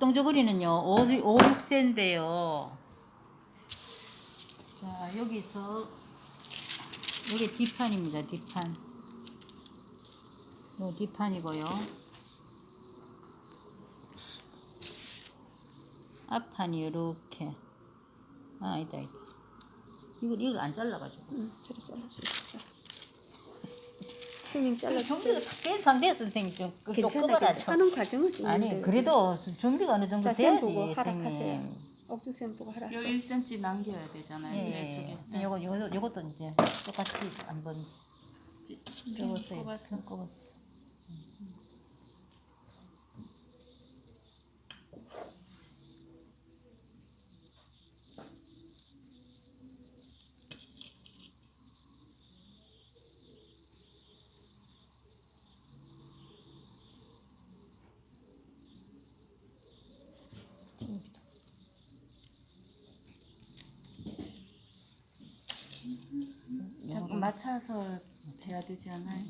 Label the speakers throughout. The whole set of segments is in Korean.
Speaker 1: 흑동저고리는요 5, 6세인데요. 자, 여기서 여기 뒷판입니다. 뒷판. 요 뒷판이고요. 앞판이 이렇게. 아, 아니다. 이걸 안 잘라가지고.
Speaker 2: 저리 잘라주시죠. 선생님 잘라주세요.
Speaker 1: 준비가 다 된 상태에서 선생님 좀
Speaker 2: 괜찮아. 하는 과정은 좀
Speaker 1: 아니
Speaker 2: 있는데.
Speaker 1: 그래도 준비가 어느 정도
Speaker 2: 자세히
Speaker 1: 돼야지
Speaker 2: 보고 하락하세요.
Speaker 1: 선생님.
Speaker 2: 옥주쌤 보고 하라.
Speaker 3: 요 1cm 남겨야 되잖아요.
Speaker 1: 예,
Speaker 3: 저게.
Speaker 1: 예. 요것도 이제 똑같이 한번 펴보세요. 펴고.
Speaker 3: 자꾸 맞춰서 해야 되지 않아요?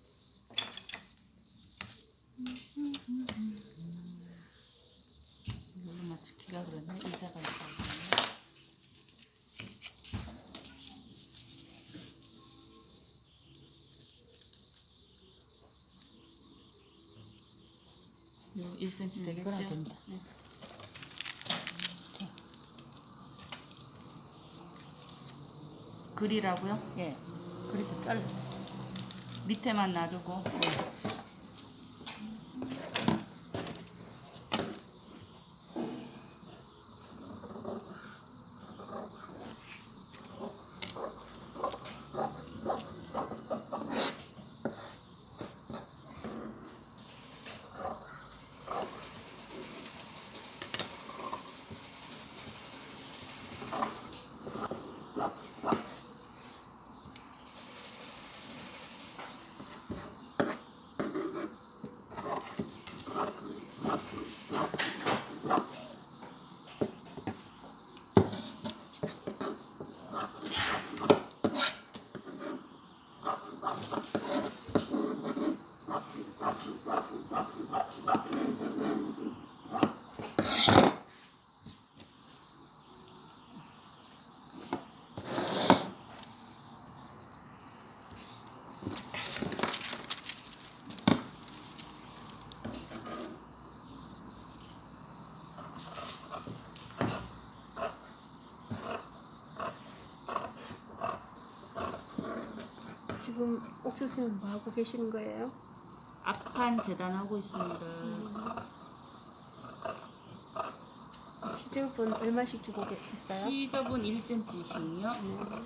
Speaker 3: 이걸로 맞추기가 그러네. 의자가 있다. 요 1cm 되겠죠?
Speaker 1: 그럼 됩니다.
Speaker 3: 네. 그리라고요?
Speaker 1: 예. 그래서 잘라.
Speaker 3: 밑에만 놔두고.
Speaker 2: 지금 옥주쌤 뭐 하고 계시는 거예요?
Speaker 3: 앞판 재단하고 있습니다.
Speaker 2: 시접은 얼마씩 주고 있어요?
Speaker 3: 시접은 1cm씩요.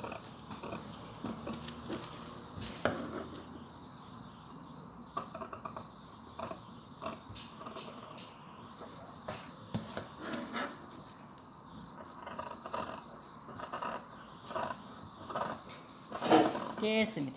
Speaker 1: 됐습니다.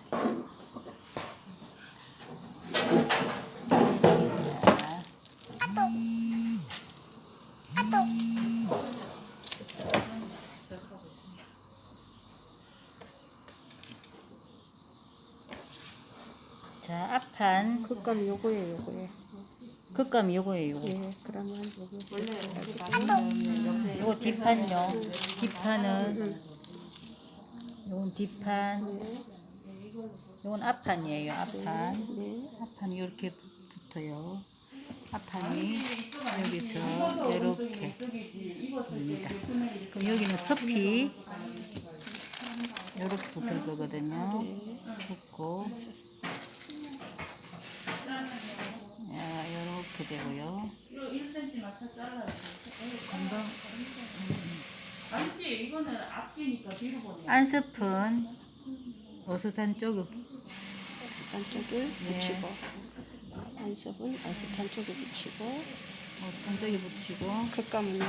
Speaker 1: 자, 앞판
Speaker 2: 극감 요거예요, 요거예.
Speaker 1: 극감 요거예요.
Speaker 2: 예, 그러면 요거
Speaker 3: 원래 이렇게 놔두면 옆에
Speaker 1: 요거 뒷판요. 뒷판은 요건 뒷판. 요건 앞판이에요. 앞판.
Speaker 2: 네.
Speaker 1: 앞판이 이렇게 붙어요. 앞판이 여기서 이렇게 됩니다. 그럼 여기는 서피 이렇게 붙을 거거든요. 붙고 이렇게 되고요.
Speaker 3: 1cm 맞춰 잘라야 돼. 금방. 아니지, 이거는 앞뒤니까 뒤로 보내.
Speaker 1: 안스푼 어슷한 쪽을
Speaker 2: 어슷한 쪽을
Speaker 1: 네.
Speaker 2: 붙이고 안섭은 어슷한 쪽에 붙이고
Speaker 1: 어슷한 쪽에 붙이고
Speaker 2: 극감은요?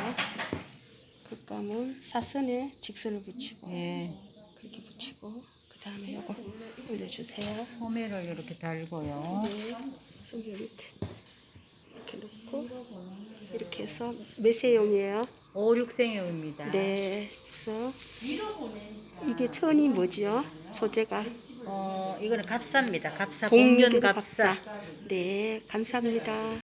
Speaker 2: 극감은 사선에 직선을 붙이고
Speaker 1: 예,
Speaker 2: 그렇게 붙이고 그 다음에 요거 올려주세요.
Speaker 1: 소매를 이렇게 달고요.
Speaker 2: 네, 손 밑에 이렇게 놓고 이렇게 해서 몇 세용이에요?
Speaker 1: 5, 6생용입니다.
Speaker 2: 네, 그래서 이게 천이 뭐지요? 소재가
Speaker 1: 이거는 갑사입니다. 갑사,
Speaker 2: 동면
Speaker 1: 복면 갑사.
Speaker 2: 네, 감사합니다.